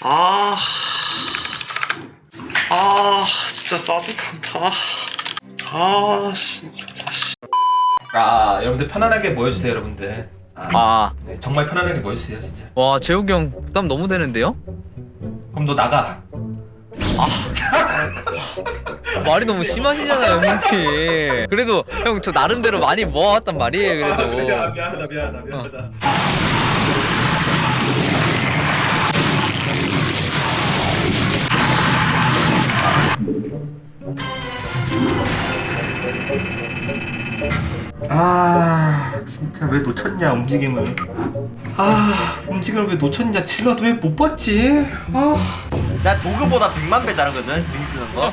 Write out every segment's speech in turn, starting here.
아, 진짜 짜증난다. 진짜. 여러분들 편안하게 모여주세요, 여러분들. 네, 정말 편안하게 모여주세요, 진짜. 와 재욱이 형 부담 너무 되는데요? 그럼 너 나가. 말이 너무 심하시잖아요 형님. 그래도 형 저 나름대로 많이 모아왔단 말이에요 그래도. 미안하다. 진짜 왜 놓쳤냐 움직임을. 움직임을 왜 놓쳤냐. 질러도 왜 못 봤지. 나 도구보다 100만 배 잘하거든 링 쓰는 거.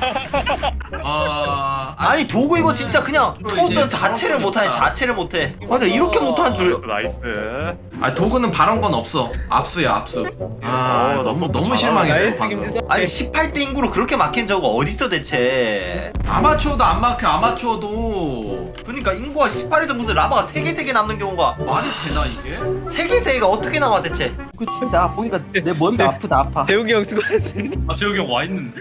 아니 도구 이거 진짜 그냥 토전 자체를 못하네. 자체를 못해. 나 이렇게 못한 줄. 나이스. 도구는 바란 건 없어. 압수야 압수. 너무 실망했어 방금. 아니 18대 인구로 그렇게 막힌 저거 어딨어 대체. 아마추어도 안 막혀. 아마추어도 그러니까 인구가 18에서 무슨 라바가 3개 남는 경우가 말이 되나 이게? 3개가 어떻게 나와 대체. 그 진짜 보니까 내 머리가 아파. 재욱이 형 수고했습니다. 재욱이 형 와 있는데?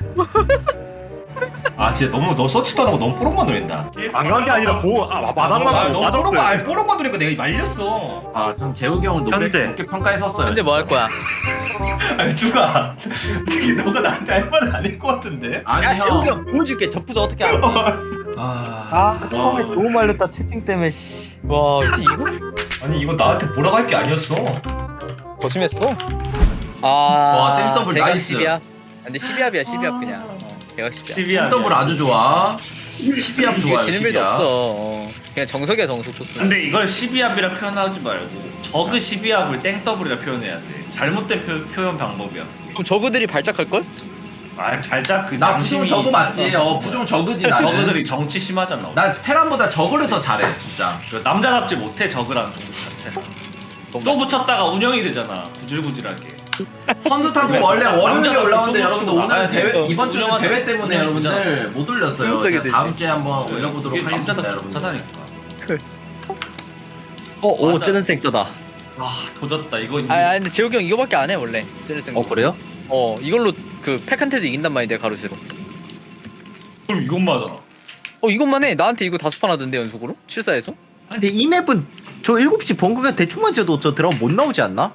진짜 너무 너 서치도 안 하고 너무 뽀록만 노린다. 안 간 게 아니라 마당만 너무 뽀록만 뽀록만 노니까 내가 말렸어. 전 재욱이 형을 높게 평가했었어요. 현재 뭐 할 거야? 아니 주가 솔직히 너가 나한테 할 말은 아닐 것 같은데. 아니 재욱이 형. 형 보여줄게. 접부자 어떻게 알아? 처음에 너무 말렸다 채팅 때문에 씨. 와 이거 아니 이거 나한테 뭐라고 할 게 아니었어. 더 심했어. 와, 땡더블 대각 나이스. 12합. 근데 12합이야 12합 그냥. 대각 12합. 더블 아주 좋아. 12합 이게 좋아요. 지는 빌도 12합. 없어. 그냥 정석이야 정석 토스. 근데 이걸 12합이라 표현하지 말고 저그 12합을 땡더블이라 표현해야 돼. 잘못된 표현 방법이야. 그럼 저그들이 발작할 걸? 발작 그 나 부종 저그 맞지? 부종 저그지 나는. 저그들이 정치 심하잖아. 나 테란보다 저그를 더 잘해 진짜. 그 남자답지 못해 저그라는 종족 자체. 또 붙였다가 운영이 되잖아. 구질구질하게. 선수 탐구 왜? 원래 월요일에 남자가 올라오는데 좀 여러분들 치고 오늘은 나가야 대회 돼. 이번 주는 운영하자. 대회 때문에 운영하자. 여러분들 못 올렸어요. 스무스하게 제가 되지. 다음 주에 한번 올려보도록 이게 하겠습니다 남자답지 여러분들. 못하다니까. 오 맞아. 쩌는 생 떠다. 도졌다 이거. 근데 재욱이 형 이거밖에 안 해 원래. 쟤네생. 그래요? 이걸로 그 팩한테도 이긴단 말인데 가로세로. 그럼 이것만 하잖아. 이것만 해. 나한테 이거 5판 하던데 연속으로? 7사에서? 근데 이 맵은 저 7시 벙커가 대충만 지어도 저 드라마 못 나오지 않나?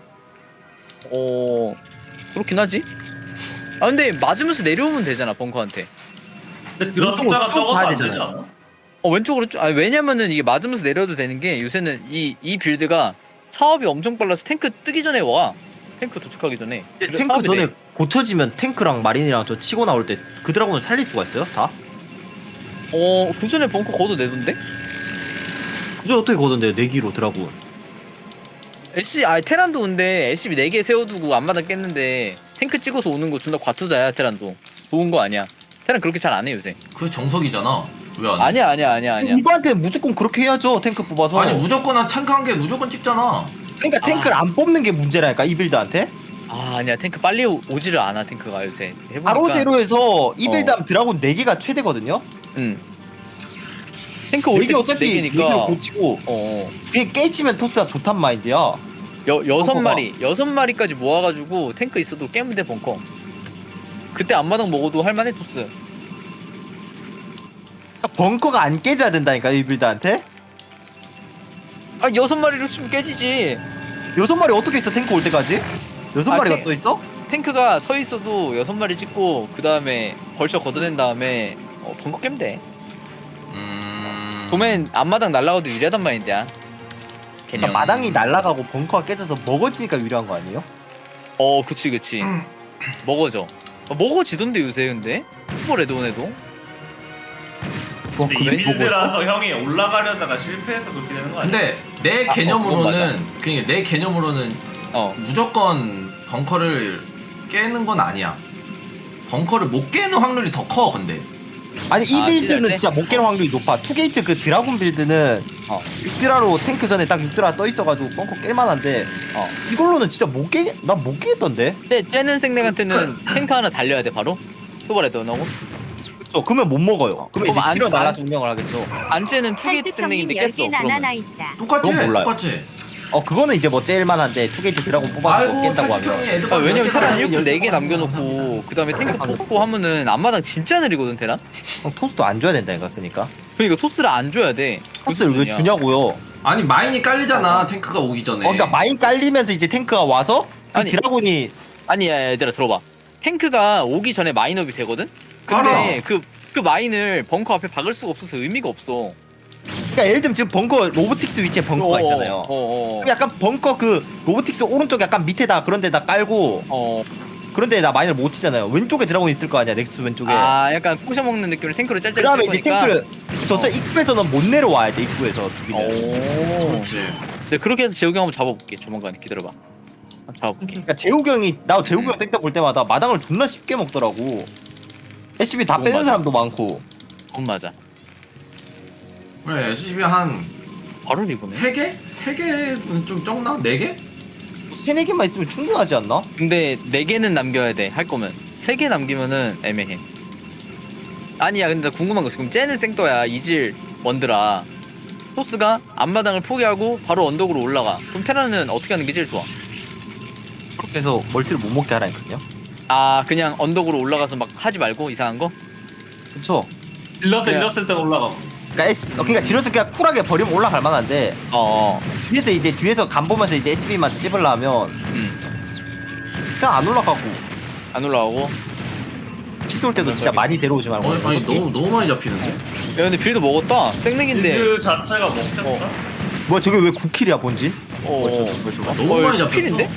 그렇긴 하지. 근데 맞으면서 내려오면 되잖아 벙커한테. 근데 들어갔다가 쭉 적어도 가야 안 되지 되잖아요. 않아? 왼쪽으로 왜냐면은 이게 맞으면서 내려도 되는 게 요새는 이 빌드가 사업이 엄청 빨라서 탱크 뜨기 전에 와. 탱크 도착하기 전에. 탱크 사업이 전에 돼. 고쳐지면 탱크랑 마린이랑 저 치고 나올 때 그 드라곤을 살릴 수가 있어요? 다? 그 전에 벙커 걷어내던데? 그게 어떻게 거던데요? 내기로 드라곤. 테란도 근데 SCB 4개 세워두고 앞마당 깼는데 탱크 찍어서 오는 거 존나 과투자야 테란도. 좋은 거 아니야. 테란 그렇게 잘 안 해 요새. 그게 정석이잖아. 왜 안 해? 아니야. 이거한테 무조건 그렇게 해야죠. 탱크 뽑아서. 아니 무조건 한 탱크 한 개 무조건 찍잖아. 그러니까 탱크를 안 뽑는 게 문제라니까 이 빌드한테. 아니야 탱크 빨리 오지를 않아 탱크가 요새. 해보니까. 바로 세로에서 이 빌드하면 드라곤 4개가 최대거든요. 탱크 올 4개 때 어차피 4개로 4개니까. 고치고 그게 깨지면 토스가 좋단 마인드야. 여섯 마리까지 모아가지고 탱크 있어도 깨면 돼 벙커. 그때 앞마당 먹어도 할만해 토스. 그러니까 벙커가 안 깨져야 된다니까 이 빌드한테. 6마리로 치면 깨지지. 6마리 어떻게 있어 탱크 올 때까지? 6마리가 또 있어? 탱크가 서 있어도 6마리 찍고 그 다음에 벌쳐 걷어낸 다음에 벙커 깨면 돼. 보면 앞마당 날라가도 유리하단 말인데야. 그러니까 마당이 날아가고 벙커가 깨져서 먹어지니까 유리한 거 아니에요? 그치. 먹어져. 먹어지던데 요새 근데 슈퍼 레드온에도. 근데 이 빌드라서 형이 올라가려다가 실패해서 그렇게 되는 거 아니야? 근데 내 그건 개념으로는 그러니까 내 개념으로는 무조건 벙커를 깨는 건 아니야. 벙커를 못 깨는 확률이 더 커 근데. 아니 이 빌드는 찢을 때? 진짜 못 깨는 확률이 높아. 투게이트 그 드라군 빌드는 6드라로 탱크 전에 딱 6드라 떠 있어가지고 벙커 깰만한데 이걸로는 진짜 난 못 깨겠던데? 근데 째는 생명한테는 탱크 하나 달려야 돼 바로. 슈퍼 레드온하고. 그쵸 그러면 못 먹어요. 그러면 그럼 이제 실어 안- 날라 증명을 하겠죠. 안 째는 투게이트 생명인데 깼어. 살주성님 10개 그러면. 나나 있다. 똑같지? 그건 몰라요. 똑같지? 그거는 이제 뭐 째일만한데 투게이트 드라곤 뽑아서 아이고 깬다고 탈퇴 하면. 형이 애들 왜냐면 테란 1군 열 4개 개 남겨놓고 그 다음에 탱크 뽑고 하면은 앞마당 진짜 느리거든 테란? 형 토스도 안 줘야 된다니까 그러니까. 그러니까 토스를 안 줘야 돼. 토스를 왜 주냐고요? 아니 마인이 깔리잖아 탱크가 오기 전에. 그러니까 마인 깔리면서 이제 탱크가 와서 그 아니. 드라곤이 아니 야, 얘들아 들어봐. 탱크가 오기 전에 마인업이 되거든? 근데 알아. 그 마인을 벙커 앞에 박을 수가 없어서 의미가 없어. 그러니까 예를 들면 지금 벙커 로보틱스 위치에 벙커가 있잖아요. 그럼 약간 벙커 그 로보틱스 오른쪽 약간 밑에다 그런 데다 깔고 그런 데다 마인을 못 치잖아요. 왼쪽에 드라곤 있을 거 아니야 넥스 왼쪽에. 아 약간 꼬셔 먹는 느낌으로 탱크로 짤짤 그다음에 칠 이제 거니까. 탱크를 저쪽 입구에서는 못 내려와야 돼 입구에서 두기는. 오. 그렇지. 네 그렇게 해서 재욱이 형 한번 잡아볼게. 조만간 기다려봐. 한번 잡아볼게. 그러니까 재욱이 형이 나 재욱이 형 섹터 볼 때마다 마당을 존나 쉽게 먹더라고. SCB 다 그건 빼는 맞아. 사람도 많고. 그건 맞아. 그래 SCB 한 바로 리보네. 3개? 3개는 좀 적나? 4개? 3-4개만 있으면 충분하지 않나? 근데 4개는 남겨야 돼. 할 거면 3개 남기면은 애매해. 아니야 근데 나 궁금한 거 있어. 그럼 쟤는 생떠야 이질 원드라. 토스가 앞마당을 포기하고 바로 언덕으로 올라가. 그럼 테라는 어떻게 하는 게 제일 좋아? 그렇게 해서 멀티를 못 먹게 하라니까요. 아 그냥 언덕으로 올라가서 막 하지 말고 이상한 거? 그쵸? 일렀을 그냥- 일렀을 때 올라가고. 그러니까 지러스 그냥 쿨하게 버리면 올라갈 만한데 뒤에서 이제 뒤에서 간 보면서 이제 SCB만 찝으려면 그냥 안 올라가고 안 올라가고. 치돌 때도 진짜 많이 데려오지 말고. 아니 너무 많이 잡히는데? 야 근데 빌드 먹었다. 생맥인데. 빌드 자체가 먹혔다. 뭐야 저게 왜 9킬이야 본진? 너무 많이 잡혔어. 10킬인데?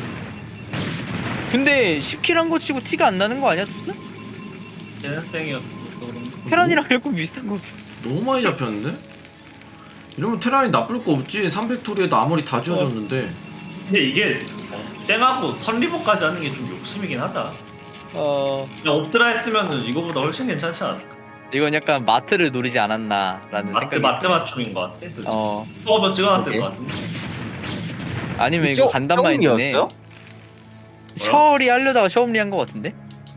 근데 10킬 한 거 치고 티가 안 나는 거 아니야 토스? 제네땡이었어. 테란이랑 결국 비슷한 거 같아. 너무 많이 잡혔는데? 이러면 테란이 나쁠 거 없지. 300토리에도 아무리 다 지어졌는데. 근데 이게 땡하고 선리버까지 하는 게 좀 욕심이긴 하다. 그냥 옵드라 했으면은 이거보다 훨씬 괜찮지 않았을까? 이건 약간 마트를 노리지 않았나라는 생각이. 마트 맞춤인 것 같아. 어 한번 찍어놨을 오케이. 것 같은데. 아니면 이거 간단만 있네. 셔리 하려다가 셔엄리 한 거 같은데?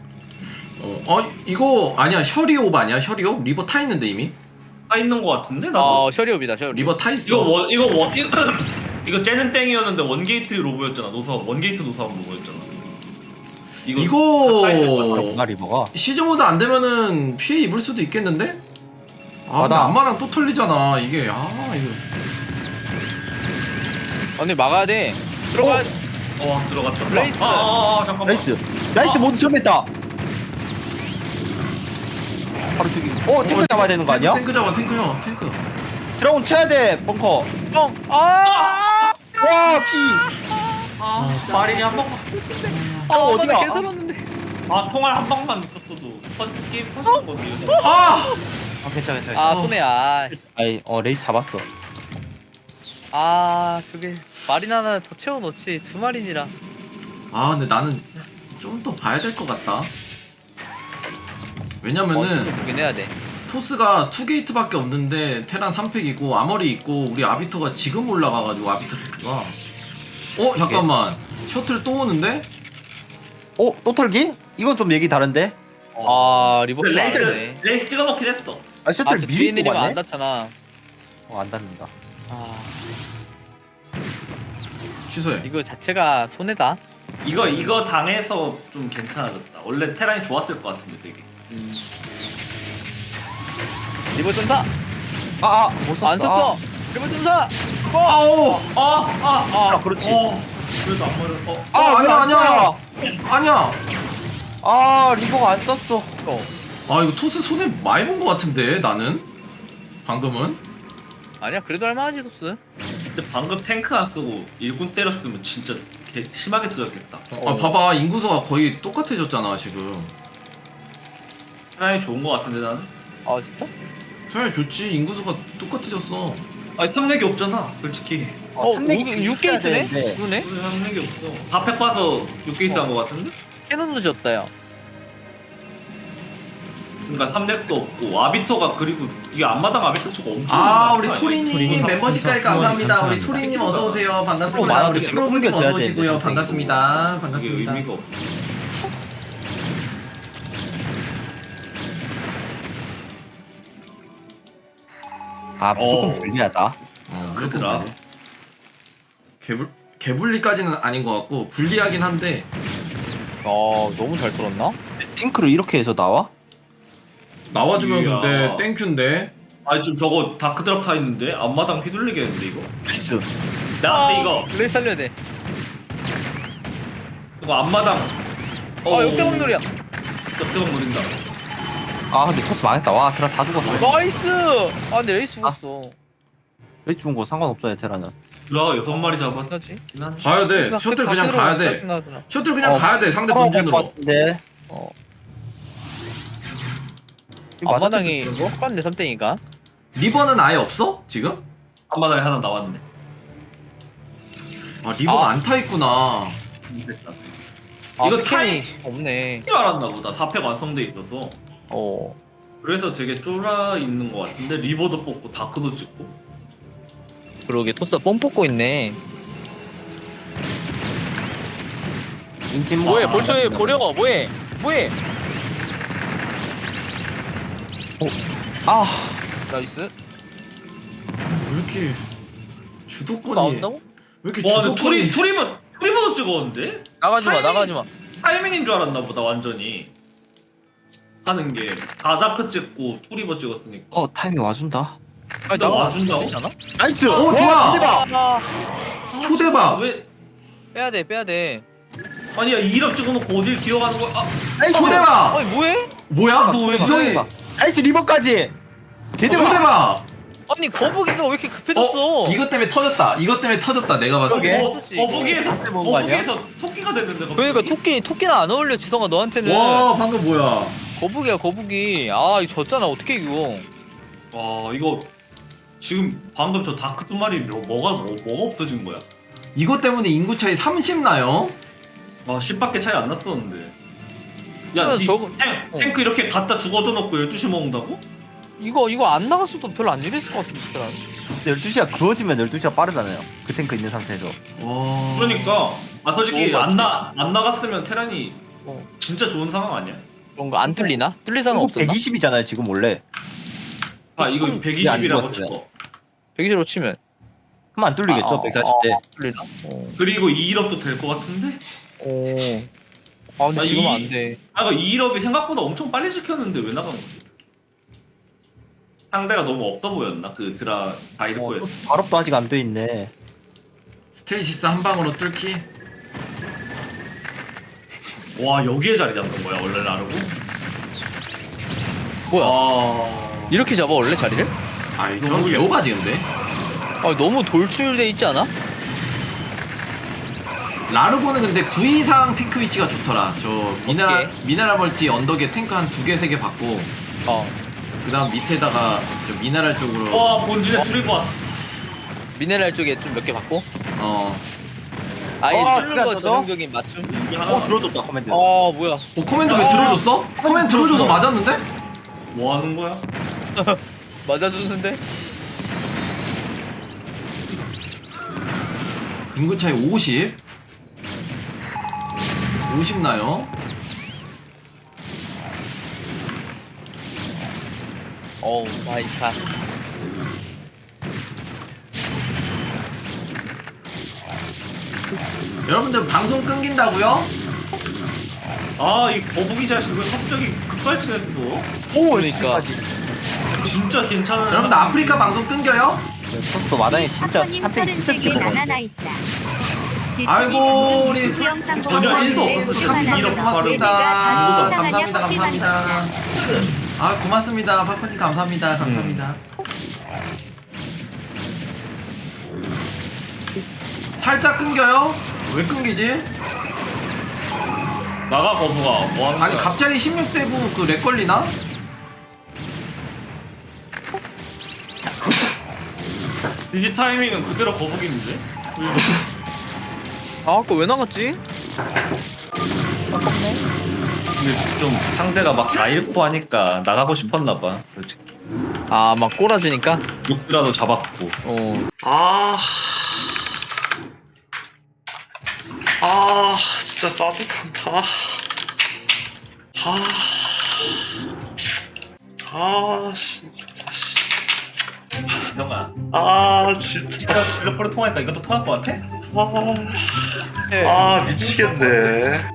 이거 아니야 셔리옵 아니야 셔리옵? 리버 타 있는데 이미? 타 있는 것 같은데 나도. 셔리옵이다 셔리. 리버 타 있어. 이거 쟤는 땡이었는데 원게이트 로보였잖아. 원게이트 노사원 로보였잖아. 이거 나 리버가 시즌 모드 안 되면은 피해 입을 수도 있겠는데? 아 근데 맞아. 안마랑 또 털리잖아 이게. 이거 언니 막아야 돼. 들어가. 들어갔다. 레이스. 잠깐만. 나이스 모두 점했다. 바로 죽이고. 탱크 잡아야 되는 거 아니야? 탱크 잡아 탱크 형 탱크. 드라곤 쳐야 돼 벙커. 형. 와 피. 마린이 한 번만. 어디야? 개살았는데. 통할 한 방만 있었어도 게임 터지는 거지. 아! 괜찮아. 아 손해야. 아이 레이스 잡았어. 아 저게 마린 하나 더 채워 넣지. 2마린이라. 아 근데 나는 좀 더 봐야 될 것 같다. 왜냐면은 보긴 해야 돼. 토스가 2게이트밖에 없는데 테란 3팩이고 아머리 있고 우리 아비터가 지금 올라가가지고 아비터 테크가 잠깐만 셔틀 또 오는데? 또 털기? 이건 좀 얘기 다른데? 아 리버풀 안 돼. 레이스 찍어놓긴 했어. 셔틀 뒤에 미리 내리면 안 뽑았네? 닿잖아. 안 닿는다. 아 취소해. 이거 자체가 손해다. 이거 당해서 좀 괜찮아졌다. 원래 테란이 좋았을 것 같은데 되게. 리버 점사 못 썼다. 안 썼어. 리버 점사. 아오! 그렇지. 그래도 안 맞았어. 아니야. 리버가 안 썼어. 아 이거 토스 손해 많이 본 것 같은데 나는 방금은. 아니야 그래도 할만하지 토스. 근데 방금 탱크 안 쓰고 일군 때렸으면 진짜 심하게 터졌겠다. 봐봐 인구수가 거의 똑같아졌잖아 지금. 테란이 좋은 것 같은데 나는. 아 진짜? 테란이 좋지 인구수가 똑같아졌어. 아니 탐내기 없잖아 솔직히. 6게이트네? 그러네? 우리 탐내기 없어. 다팩 봐서 6게이트 한 것 같은데? 캐논도 졌다 야. 그러니까 탐렉도 없고 아비터가 그리고 이게 앞마당 아비터 치고 엄청 우리 토리님 멤버십까지 감사합니다. 우리 토리님 어서 오세요. 반갑습니다. 우리 프로님 어서 오시고요. 반갑습니다. 이게 반갑습니다. 의미가 없어. 무조건 불리하다. 그러더라. 개불리까지는 아닌 것 같고 불리하긴 한데 너무 잘 털었나? 탱크로 이렇게 해서 나와? 나와주면 이야. 근데 땡큐인데. 아니 좀 저거 다크드랍 타 있는데 앞마당 휘둘리겠는데 이거? 나이스. 나 근데 이거 레 살려야 돼. 이거 앞마당 역대박 놀이야. 역대박 노린다. 아 근데 토스 망했다. 와 드라 다 죽었어. 나이스. 근데 레이스 죽었어. 왜 죽은 거 상관없어요 테라는. 드라가 6마리 잡았긴 끝나지? 한데. 가야 돼. 셔틀 그냥 가야 돼. 셔틀 그냥 가야 돼. 상대 본진으로. 네. 앞마당이 똑같네 3땡이가. 리버는 아예 없어? 지금? 앞마당에 하나 나왔네. 아 리버가 안 타 있구나. 됐다. 이거 이거 스캔이 없네. 줄 알았나 보다. 4팩 완성돼 있어서. 어. 그래서 되게 쫄아 있는 것 같은데 리버도 뽑고 다크도 찍고. 그러게 토스 뻥 뽑고 있네. 인진 뭐해? 벌초에 보려고 뭐해? 뭐해? 아 나이스. 왜 이렇게 주도권이 나온다고? 왜 이렇게 와 근데 주도권이 투리버도 찍었는데? 나가지마 타이밍. 나가지마. 타이밍인 줄 알았나 보다 완전히. 하는 게 다다크 찍고 투리버 찍었으니까. 타이밍 와준다. 아니 나 와준다고? 괜찮아? 나이스. 오 좋아. 아, 초대박. 왜? 빼야돼 빼야돼. 아니야 2럽 찍어놓고 어딜 기어가는 거야? 아, 초대박. 아니 뭐해? 뭐야? 너 왜 지성이. 나이스 리버까지. 개대박. 초대박. 아니 거북이가 왜 이렇게 급해졌어? 이것 때문에 터졌다. 이것 때문에 터졌다. 내가 봤을 때. 거북이에서 먹은 거 아니야? 토끼가 됐는데 갑자기. 그러니까 토끼는 안 어울려 지성아 너한테는. 와 방금 뭐야? 거북이야 거북이. 아 이거 졌잖아 어떻게 이거? 이거 지금 방금 저 다크 두 마리 뭐가 없어진 거야? 이것 때문에 인구 차이 30 나요? 10밖에 차이 안 났었는데. 야, 야, 니 저거- 탱크 이렇게 갖다 죽어줘 놓고 12시 먹는다고? 이거 안 나갔어도 별로 안 이랬을 것 같은데. 12시가 그어지면 12시가 빠르잖아요. 그 탱크 있는 상태에서. 와. 그러니까 솔직히 너무 안 나갔으면 테란이 어. 진짜 좋은 상황 아니야? 그런 거 안 뚫리나? 뚫릴 상황 없었나? 120이잖아요 지금 원래. 이거 안 120이라고 죽었어요. 치고 120으로 치면 그럼 안 뚫리겠죠 140대. 뚫리나? 그리고 2일업도 될 것 같은데? 근데 아, 지금 이- 안 돼. 이거 2일업이 생각보다 엄청 빨리 지켰는데 왜 나간 거지? 상대가 너무 없어 보였나? 그 드라 다이르코에서. 발업도 아직 안 돼 있네. 스테이시스 한 방으로 뚫기. 와 여기에 자리 잡는 거야 원래 나르고? 뭐야? 이렇게 잡아 원래 자리를? 아 이거 개오바지 근데. 너무 돌출돼 있지 않아? 라르고는 근데 9 이상 탱크 위치가 좋더라. 저 미네랄 어떻게? 미네랄 멀티 언덕에 탱크 한 2개 3개 받고 그다음 밑에다가 저 미네랄 쪽으로 와 본진에 트리버 왔어. 미네랄 쪽에 좀 몇 개 받고 진짜 뚫는 거 저죠? 전형적인 맞춤. 이게 하나 들어줬다 코멘트. 뭐야? 코멘트 왜 들어줬어? 코멘트 들어줘서 맞았는데? 뭐 하는 거야? 맞아주는데? 인구 차이 50. 50 나요. 마이 갓. 여러분들 방송 끊긴다고요? 이 거북이 자식 왜 갑자기 급발진했어? 그러니까. 진짜 괜찮은. 여러분들 아프리카 방송 끊겨요? 토스도 마당에 진짜 님 3탱 진짜 33개 찍어 나나나 있다. 아이고, 우리 영상 보고 전혀 일도 왔는데 없었어. 얼마나 이렇게 내가 고맙습니다. 다 감사합니다. 식상하냐 컵비만 감사합니다. 아 고맙습니다. 파코님 감사합니다. 감사합니다. 살짝 끊겨요? 왜 끊기지? 나가 거북아. 뭐 하는 아니 거야? 갑자기 16대구 그 렉 걸리나? 이게 타이밍은 그대로 거북인데? 아까 왜 나갔지? 근데 좀 상대가 막 4-1포 하니까 나가고 싶었나 봐. 솔직히. 막 꼬라주니까? 욕이라도 잡았고. 진짜 짜증난다. 진짜. 지성아 진짜. 블록으로 통하니까 이것도 통할 것 같아? 아 미치겠네.